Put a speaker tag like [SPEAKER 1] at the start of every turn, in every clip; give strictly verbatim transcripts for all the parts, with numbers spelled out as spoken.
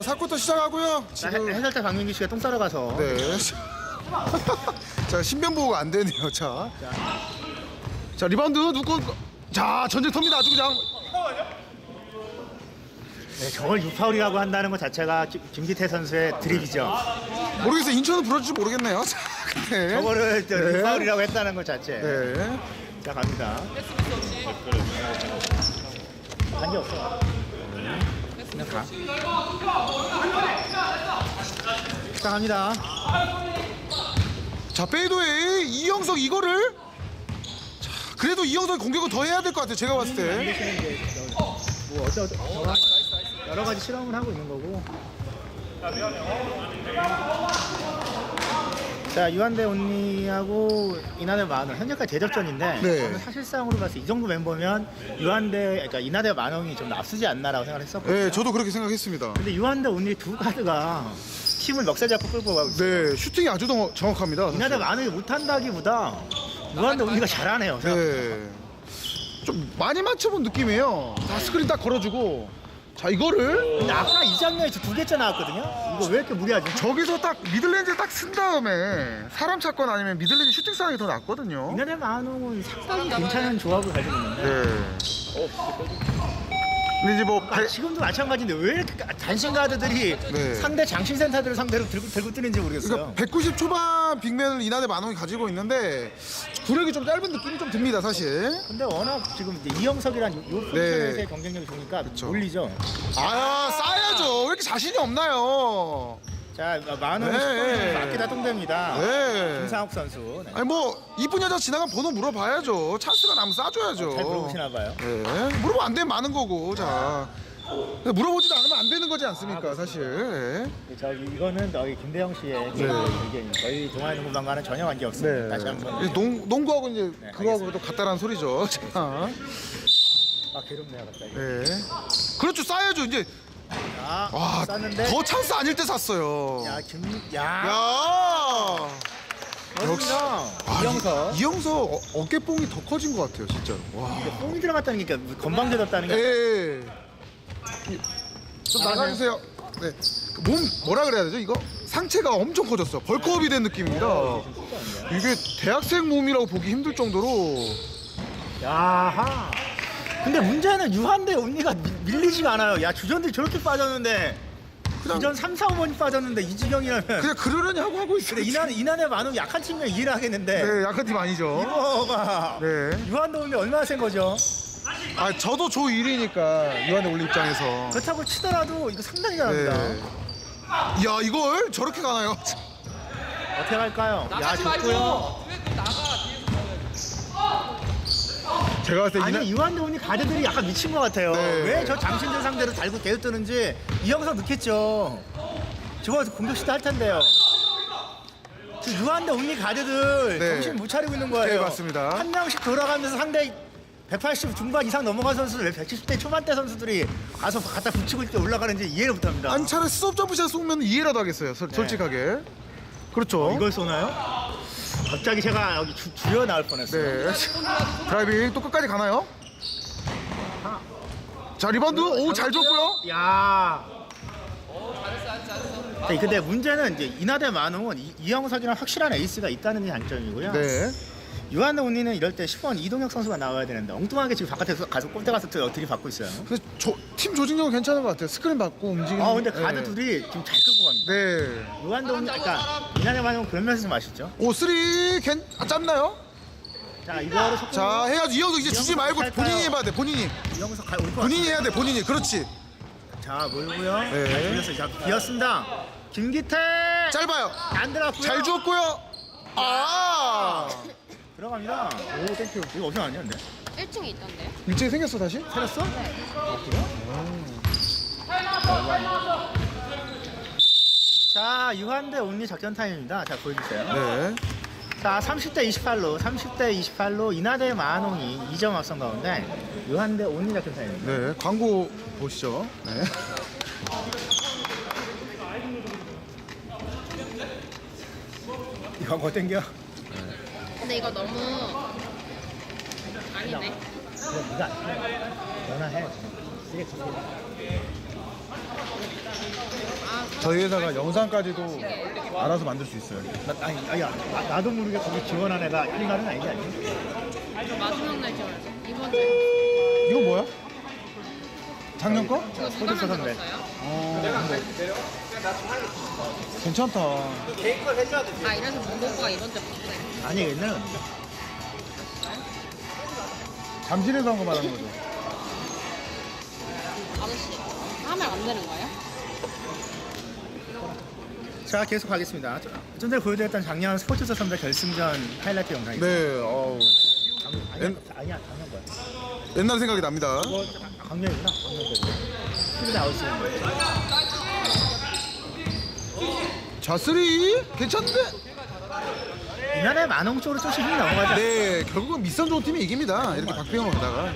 [SPEAKER 1] 사 쿼터 시작하고요.
[SPEAKER 2] 지금 해설자 박민기 씨가 똥 싸러 가서.
[SPEAKER 1] 네. 자, 신변보호가 안 되네요. 자. 자, 리바운드 누구? 자, 전쟁터입니다. 아주 그냥.
[SPEAKER 2] 네, 저걸 유파울이라고 한다는 것 자체가 김- 김기태 선수의 드립이죠.
[SPEAKER 1] 모르겠어요. 인천은 불러줄지 모르겠네요. 자, 근데.
[SPEAKER 2] 저거를 저
[SPEAKER 1] 네.
[SPEAKER 2] 유파울이라고 했다는 것 자체.
[SPEAKER 1] 네.
[SPEAKER 2] 자, 갑니다. 한게 없어. 그냥 가. 자, 갑니다.
[SPEAKER 1] 자, 페이도웨이 이영석 이거를. 자, 그래도 이영석 공격은 더 해야 될 것 같아요. 제가 봤을 때.
[SPEAKER 2] 뭐 어쩌 어쩌 저거 여러 가지 실험을 하고 있는 거고. 자, 유한대 온리하고 이나대 만원 현재까지 대접전인데
[SPEAKER 1] 네.
[SPEAKER 2] 저는 사실상으로 봤을 때 이 정도 멤버면 유한대 그러니까 이나대 만원이 좀 앞서지 않나라고 생각을 했었거든요.
[SPEAKER 1] 네, 저도 그렇게 생각했습니다.
[SPEAKER 2] 근데 유한대 온리 두 가드가 팀을 멱살 잡고 끌고 가고 있어요.
[SPEAKER 1] 네, 슈팅이 아주 정- 정확합니다. 사실.
[SPEAKER 2] 이나대 만원이 못한다기보다 유한대 온리가 잘하네요. 생각보다.
[SPEAKER 1] 네. 좀 많이 맞춰본 느낌이에요. 자, 스크린 딱 걸어주고. 자, 이거를
[SPEAKER 2] 근데 아까 이 장면에 두 개째 나왔거든요. 이거 왜 이렇게 무리하지?
[SPEAKER 1] 저기서 딱 미들렌즈 딱 쓴 다음에 사람 찾거나 아니면 미들렌즈 슈팅 상황이 더 낫거든요.
[SPEAKER 2] 이나대 만원은 상당히 괜찮은 조합을 가지고 있는데
[SPEAKER 1] 네. 근데 이제 뭐
[SPEAKER 2] 아, 지금도 마찬가지인데 왜 이렇게 단신 가드들이
[SPEAKER 1] 네.
[SPEAKER 2] 상대 장신 센터들을 상대로 들고 들고 뛰는지 모르겠어요.
[SPEAKER 1] 그러니까 백구십 초반 빅맨을 이나대 만원이 가지고 있는데 구력이 좀 짧은 느낌이 좀 듭니다, 사실.
[SPEAKER 2] 근데 워낙 지금 이제 이영석이란 요, 요 포지션에서의
[SPEAKER 1] 네.
[SPEAKER 2] 경쟁력이 좋으니까 몰리죠.
[SPEAKER 1] 아, 싸야죠. 왜 이렇게 자신이 없나요?
[SPEAKER 2] 자, 만원
[SPEAKER 1] 네.
[SPEAKER 2] 십 번 맡기다 똥됩니다.
[SPEAKER 1] 네.
[SPEAKER 2] 김상욱 선수. 네.
[SPEAKER 1] 아니 뭐 이쁜 여자 지나가면 번호 물어봐야죠. 찬스가 나면 싸줘야죠.
[SPEAKER 2] 잘 물어보시나 봐요.
[SPEAKER 1] 네. 물어보면 안 되면 많은 거고. 자. 근데 물어보지도 않으면 안 되는 거지 않습니까, 사실. 네.
[SPEAKER 2] 저기 이거는 저기 김대영 씨의 개인 의견이 저희 동아농구방과는 전혀 관계 없습니다.
[SPEAKER 1] 네.
[SPEAKER 2] 다시 한번.
[SPEAKER 1] 이 농, 농구하고 이제
[SPEAKER 2] 네,
[SPEAKER 1] 그거하고 또 같다라는 소리죠. 자.
[SPEAKER 2] 아 괴롭네요 갑자기.
[SPEAKER 1] 네. 그렇죠, 싸야죠. 이제
[SPEAKER 2] 자,
[SPEAKER 1] 와,
[SPEAKER 2] 쌌는데.
[SPEAKER 1] 더 찬스 아닐 때 샀어요.
[SPEAKER 2] 야, 김, 야,
[SPEAKER 1] 야. 역시.
[SPEAKER 2] 멋있다.
[SPEAKER 1] 아,
[SPEAKER 2] 이영석.
[SPEAKER 1] 이- 이영석 어, 어깨뽕이 더 커진 것 같아요, 진짜로. 와.
[SPEAKER 2] 뽕이 들어갔다는 게 그러니까 건방져졌다는 게.
[SPEAKER 1] 예. 좀 나가주세요. 네. 그몸 뭐라 그래야 되죠? 이거 상체가 엄청 커졌어. 벌크업이 된 느낌입니다. 이게 대학생 몸이라고 보기 힘들 정도로.
[SPEAKER 2] 야하. 근데 문제는 유한대 언니가 미- 밀리지가 않아요. 야, 주전들이 저렇게 빠졌는데.
[SPEAKER 1] 그냥-
[SPEAKER 2] 주전 삼, 사, 오 번이 빠졌는데 이 지경이라면.
[SPEAKER 1] 그냥 그러려니 하고 하고 있어요.
[SPEAKER 2] 근데 이난, 이난의 만원 약한 팀이면 이해를 하겠는데.
[SPEAKER 1] 네, 약한 팀 아니죠.
[SPEAKER 2] 이거가.
[SPEAKER 1] 네.
[SPEAKER 2] 유한대 언니 얼마나 센 거죠?
[SPEAKER 1] 아, 저도 조 일 위니까 유한의 올리 입장에서.
[SPEAKER 2] 그렇다고 치더라도 이거 상당히 잘합니다.
[SPEAKER 1] 네. 야, 이걸 저렇게 가나요?
[SPEAKER 2] 어떻게 할까요? 야,
[SPEAKER 3] 나가지 말고
[SPEAKER 2] 좋고요.
[SPEAKER 3] 왜 나가 뒤에서
[SPEAKER 1] 제가 봤을 때
[SPEAKER 2] 아니,
[SPEAKER 1] 이날
[SPEAKER 2] 유한대 언니 가드들이 약간 미친 것 같아요.
[SPEAKER 1] 네.
[SPEAKER 2] 왜 저 장신들 상대로 달고 계속 뜨는지 이 영상 넣겠죠. 저거 공격 시도 할 텐데요. 저 유한대 언니 가드들
[SPEAKER 1] 네.
[SPEAKER 2] 정신 못 차리고 있는 거예요.
[SPEAKER 1] 네, 맞습니다.
[SPEAKER 2] 한 명씩 돌아가면서 상대 백팔십 중반 이상 넘어간 선수들 왜 백칠십 대 초반대 선수들이 가서 갖다 붙이고 때 올라가는지 이해를 못합니다.
[SPEAKER 1] 안 차라리 스톱 점프샷 쏘면 이해라도 하겠어요. 서- 솔직하게. 그렇죠.
[SPEAKER 2] 이걸 쏘나요? 갑자기 제가 여기 주, 주여 나올 뻔했어요.
[SPEAKER 1] 네. 드라이빙 또 끝까지 가나요? 자, 리바운드. 오, 잘 줬고요.
[SPEAKER 2] 야.
[SPEAKER 3] 잘했어 잘했어 잘했어
[SPEAKER 2] 네, 근데 문제는 이제 이나대 만홍은 이- 이영석이랑 확실한 에이스가 있다는 게 단점이고요.
[SPEAKER 1] 네.
[SPEAKER 2] 유한대 온리는 이럴 때 십 번 이동혁 선수가 나와야 되는데 엉뚱하게 지금 바깥에서 가서 골대 가서 들이받고 있어요.
[SPEAKER 1] 근데 저, 팀 조직력은 괜찮은 것 같아요. 스크린 받고 움직이는.
[SPEAKER 2] 아 근데 가드
[SPEAKER 1] 네.
[SPEAKER 2] 둘이 지금 잘 끌고 갑니다.
[SPEAKER 1] 네.
[SPEAKER 2] 유한대 온리, 그러니까 이나대 만홍은 그런 면에서 좀 아쉽죠.
[SPEAKER 1] 오, 쓰리 괜 아, 짧나요?
[SPEAKER 2] 자 이거로 속도
[SPEAKER 1] 자, 해야지. 이영석 이제 주지 말고 본인이 해봐야 돼. 본인이.
[SPEAKER 2] 이영석 가, 올것
[SPEAKER 1] 본인이 해야 돼. 본인이. 그렇지.
[SPEAKER 2] 자 몰고요.
[SPEAKER 1] 네.
[SPEAKER 2] 잘 돌렸어요. 자 비었습니다. 김기태
[SPEAKER 1] 짧아요.
[SPEAKER 2] 안 들어갔고요.
[SPEAKER 1] 잘 주었고요. 아.
[SPEAKER 2] 들어갑니다. 오 땡큐. 이거 어디서 왔냐 근데?
[SPEAKER 4] 일 층에 있던데요?
[SPEAKER 1] 일찍 생겼어 다시?
[SPEAKER 2] 살았어? 자 유한대 온리 작전 타임입니다. 자 보여주세요.
[SPEAKER 1] 네.
[SPEAKER 2] 자 삼십 대 이십팔로 삼십 대 이십팔로 이나대 만홍이 이 점 앞선 가운데 유한대 온리 작전 타임입니다.
[SPEAKER 1] 네. 광고 보시죠. 네.
[SPEAKER 2] 이거 뭐 땡겨?
[SPEAKER 4] 근데 이거 너무 아니네.
[SPEAKER 2] 그래 네가 전화해. 쓰레기
[SPEAKER 1] 저희 회사가 영상까지도 알아서 만들 수 있어요.
[SPEAKER 2] 나, 아니, 아니, 나, 나도 모르게 거기 지원한 애가 이 말은 아니지 않니?
[SPEAKER 4] 마지막 날 지원해서 이번 주
[SPEAKER 1] 이거 뭐야? 작년 거?
[SPEAKER 4] 이거 누가
[SPEAKER 2] 소득
[SPEAKER 4] 만들었어요?
[SPEAKER 1] 어, 근데 괜찮다.
[SPEAKER 4] 아 이래서 문고가 이번 주에 바뀌네.
[SPEAKER 2] 아니, 얘는
[SPEAKER 1] 잠실에서 한 거 말하는 거죠.
[SPEAKER 4] 아저씨 하면 안 되는 거예요?
[SPEAKER 2] 자, 계속 가겠습니다. 좀 전에 보여드렸던 작년 스포츠서 선배 결승전 하이라이트 영상이죠.
[SPEAKER 1] 네, 어우.
[SPEAKER 2] 아니,
[SPEAKER 1] 옛-
[SPEAKER 2] 아니야, 작년 거야.
[SPEAKER 1] 옛날 생각이 납니다.
[SPEAKER 2] 이거 강렬이구나, 강렬. 티비에 나올 수 있는 거.
[SPEAKER 1] 자쓰리 괜찮은데?
[SPEAKER 2] 이날에 만원 쪽으로 조금씩 힘이 넘어가지 않아?
[SPEAKER 1] 네, 결국은 밑선 좋은 팀이 이깁니다. 이렇게 박빙으로 가다가.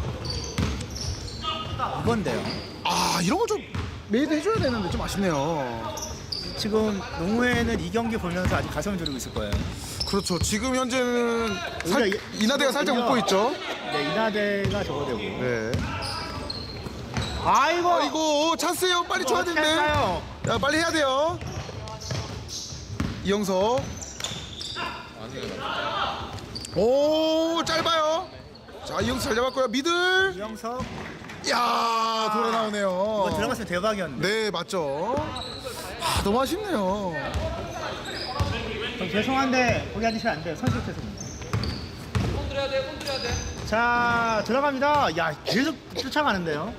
[SPEAKER 2] 이건데요.
[SPEAKER 1] 아, 이런 거 좀 메이드 해줘야 되는데 좀 아쉽네요.
[SPEAKER 2] 지금 농구회는 이 경기 보면서 아직 가슴을 졸이고 있을 거예요.
[SPEAKER 1] 그렇죠. 지금 현재는 살,
[SPEAKER 2] 오히려 이-
[SPEAKER 1] 이나대가 살짝
[SPEAKER 2] 오히려-
[SPEAKER 1] 웃고 있죠.
[SPEAKER 2] 네, 이나대가 저거 되고.
[SPEAKER 1] 네.
[SPEAKER 2] 아이고,
[SPEAKER 1] 아이고, 찬스예요. 빨리 줘야
[SPEAKER 2] 어떻게
[SPEAKER 1] 되는데.
[SPEAKER 2] 할까요?
[SPEAKER 1] 야, 빨리 해야 돼요. 이영석. 오, 짧아요. 자, 이영석 잘 잡았고요. 미들.
[SPEAKER 2] 이영석.
[SPEAKER 1] 야, 돌아 나오네요.
[SPEAKER 2] 이거 들어갔으면 대박이었는데.
[SPEAKER 1] 네, 맞죠. 아, 너무 아쉽네요.
[SPEAKER 2] 좀 죄송한데 거기 앉으시면 안 돼요. 선수 죄송합니다.
[SPEAKER 3] 손들어야 돼, 손들어야 돼.
[SPEAKER 2] 자, 들어갑니다. 야, 계속 쫓아가는데요.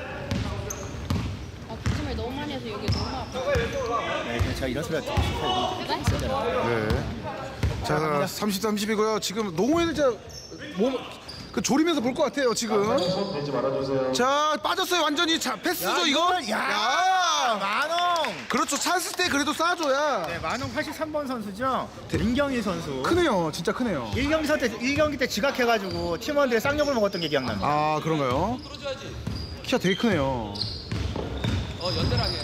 [SPEAKER 4] 아 기침을 너무 많이 해서 여기 너무 아파.
[SPEAKER 2] 네, 그냥 제가 이런 소리가 듣고 싶어요.
[SPEAKER 1] 네. 자, 삼십, 삼십이고요. 지금 농구회는 진짜 몸, 그 조리면서 볼 것 같아요, 지금. 자, 빠졌어요, 완전히. 자, 패스죠, 이거?
[SPEAKER 2] 이거는- 야,
[SPEAKER 1] 야!
[SPEAKER 2] 만홍.
[SPEAKER 1] 그렇죠. 찬스 때 그래도 쏴줘야.
[SPEAKER 2] 네, 만홍 팔십삼 번 선수죠. 민경희 선수.
[SPEAKER 1] 크네요. 진짜 크네요.
[SPEAKER 2] 일 경기 때 일 경기 때 지각해가지고 팀원들의 쌍욕을 먹었던 게 기억납니다.
[SPEAKER 1] 아, 그런가요?
[SPEAKER 3] 들어줘야지.
[SPEAKER 1] 키가 되게 크네요.
[SPEAKER 3] 어, 연달하게.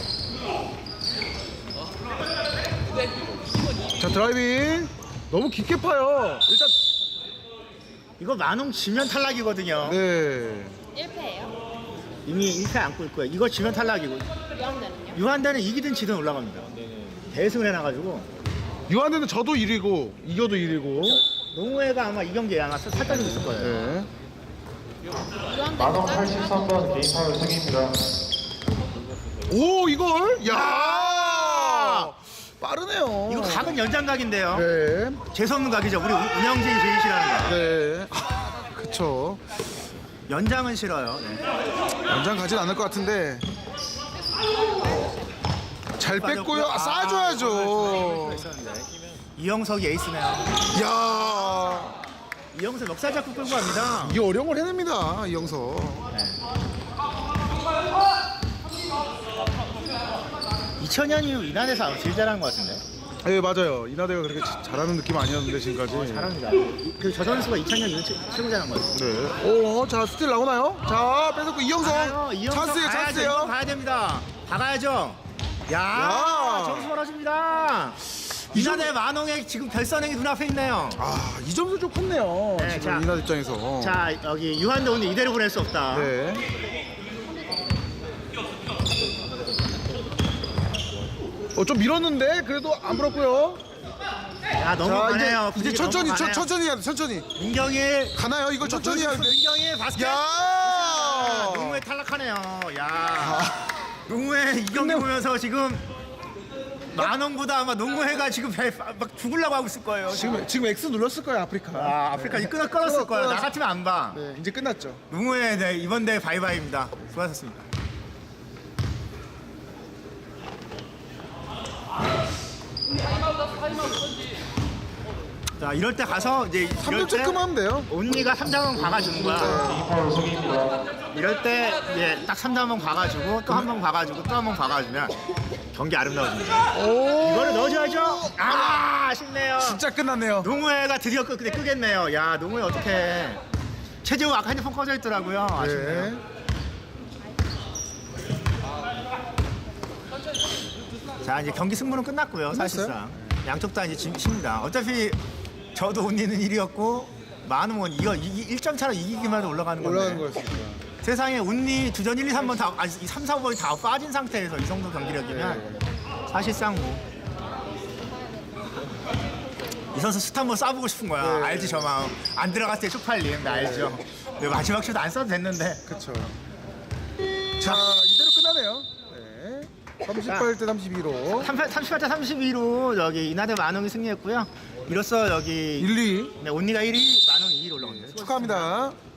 [SPEAKER 1] 자, 드라이빙. 너무 깊게 파요. 일단,
[SPEAKER 2] 이거 만홍 지면 탈락이거든요.
[SPEAKER 1] 네.
[SPEAKER 4] 일 패예요?
[SPEAKER 2] 이미 일 패 안고 있고요. 이거 지면 탈락이고
[SPEAKER 4] 유한대는요?
[SPEAKER 2] 유한대는 이기든 지든 올라갑니다. 대승을 해놔가지고
[SPEAKER 1] 유한대는 저도 일 위고, 이겨도 일 위고.
[SPEAKER 2] 농구회가 아마 이 경기에 아마 살ጠ리고 있을 거예요.
[SPEAKER 1] 네.
[SPEAKER 4] 유한대
[SPEAKER 5] 만원 팔십삼 번 개인 파울 승입니다.
[SPEAKER 1] 오, 이걸? 야! 빠르네요.
[SPEAKER 2] 이거 각은 연장각인데요.
[SPEAKER 1] 네.
[SPEAKER 2] 재수없는 각이죠. 우리 운- 운영진 제일 싫어하는 거.
[SPEAKER 1] 네. 그쵸.
[SPEAKER 2] 연장은 싫어요. 네.
[SPEAKER 1] 연장 가진 않을 것 같은데. 잘 뺐고요. 아, 쏴줘야죠.
[SPEAKER 2] 이영석이 에이스네요.
[SPEAKER 1] 야,
[SPEAKER 2] 이영석 멱살 잡고 끌고 갑니다.
[SPEAKER 1] 이 어려운 걸 해냅니다, 이영석.
[SPEAKER 2] 이천 년 이후 이난에서 아마 제일 잘하는 것 같은데.
[SPEAKER 1] 네, 맞아요. 이나대가 그렇게 자- 잘하는 느낌 아니었는데 지금까지.
[SPEAKER 2] 잘합니다. 그 저 선수가 이천 년 이후 최- 최고 잘하는 것 같아요.
[SPEAKER 1] 네. 오, 자 스틸 나오나요? 자, 뺏었고 이영석.
[SPEAKER 2] 가요. 이영석
[SPEAKER 1] 찬스예요,
[SPEAKER 2] 가야죠.
[SPEAKER 1] 찬스예요.
[SPEAKER 2] 이거 가야 됩니다. 박아야죠. 야,
[SPEAKER 1] 야.
[SPEAKER 2] 점수 벌어집니다. 이난의 만홍의 지금 별선행이 눈앞에 있네요.
[SPEAKER 1] 아, 이 점수 좀 컸네요.
[SPEAKER 2] 네,
[SPEAKER 1] 지금
[SPEAKER 2] 자.
[SPEAKER 1] 이나 입장에서.
[SPEAKER 2] 자, 여기 유한대 오늘 이대로 보낼 수 없다.
[SPEAKER 1] 네. 어, 좀 밀었는데 그래도 안 불었고요.
[SPEAKER 2] 야,
[SPEAKER 1] 자,
[SPEAKER 2] 넘어가네요.
[SPEAKER 1] 이제, 이제
[SPEAKER 2] 분위기
[SPEAKER 1] 천천히, 천,
[SPEAKER 2] 넘어가네요.
[SPEAKER 1] 천천히 해야 돼, 천천히.
[SPEAKER 2] 민경일
[SPEAKER 1] 가나요? 이걸 천천히 해야 돼.
[SPEAKER 2] 민경일 바스켓.
[SPEAKER 1] 야!
[SPEAKER 2] 아, 농구에 탈락하네요. 야, 농구에 이 경기
[SPEAKER 1] 끝내-
[SPEAKER 2] 보면서 지금 만원보다 아마 농구회가 지금 배, 막 죽으려고 하고 있을 거예요.
[SPEAKER 1] 지금 지금 X 눌렀을 거예요, 아프리카.
[SPEAKER 2] 아, 아프리카 이제 끊어 끊었을
[SPEAKER 1] 끊어,
[SPEAKER 2] 거예요.
[SPEAKER 1] 끊어.
[SPEAKER 2] 나 같으면 안 봐.
[SPEAKER 1] 네, 이제 끝났죠.
[SPEAKER 2] 농구회 네, 이번 대회 바이바이입니다. 수고하셨습니다. 자, 이럴 때 가서 이제
[SPEAKER 1] 삼
[SPEAKER 2] 이럴
[SPEAKER 1] 점
[SPEAKER 2] 때
[SPEAKER 1] 체크만 하면 돼요.
[SPEAKER 2] 온니가 삼 점은 박아주는 거야.
[SPEAKER 5] 개인 파울 승입니다.
[SPEAKER 2] 이럴 때 이제 딱 삼 점 한 번 박아주고 또 한 번 박아주고 또 한 번 박아주면 경기 아름다워집니다.
[SPEAKER 1] 오,
[SPEAKER 2] 이거를 넣어줘야죠. 아, 아쉽네요.
[SPEAKER 1] 진짜 끝났네요.
[SPEAKER 2] 농구회가 드디어 끄, 근데 끄겠네요. 야, 농구회 어떡해. 최재우 아까 핸드폰 꺼져 있더라고요. 아쉽네요.
[SPEAKER 1] 네.
[SPEAKER 2] 자, 이제 경기 승부는 끝났고요. 사실상 양쪽 다 이제 진입니다. 어차피 저도 온니는 일 위였고 만우면 이거 일 점 차로 이기기만 해도 올라가는 건데
[SPEAKER 1] 올라가는 거였습니다.
[SPEAKER 2] 세상에 온니 두전 일, 이, 삼 번 다 아니 삼, 사 번이 다 빠진 상태에서 이 정도 경기력이면 사실상 뭐. 이 선수 스타 한번 쏴보고 싶은 거야.
[SPEAKER 1] 네.
[SPEAKER 2] 알지 저 마음. 안 들어갔을 때 쪽팔림. 나 알죠. 근데 마지막 슛 안 쏴도 됐는데.
[SPEAKER 1] 그렇죠. 자, 이대로 끝나네요. 네. 삼십팔 대 삼십이로
[SPEAKER 2] 삼십팔 대 삼십이로 여기 이나대 만홍이 승리했고요. 이로써 여기
[SPEAKER 1] 일, 이
[SPEAKER 2] 네, 온니가 일 위, 만홍이 이 위로 올라옵니다.
[SPEAKER 1] 축하합니다.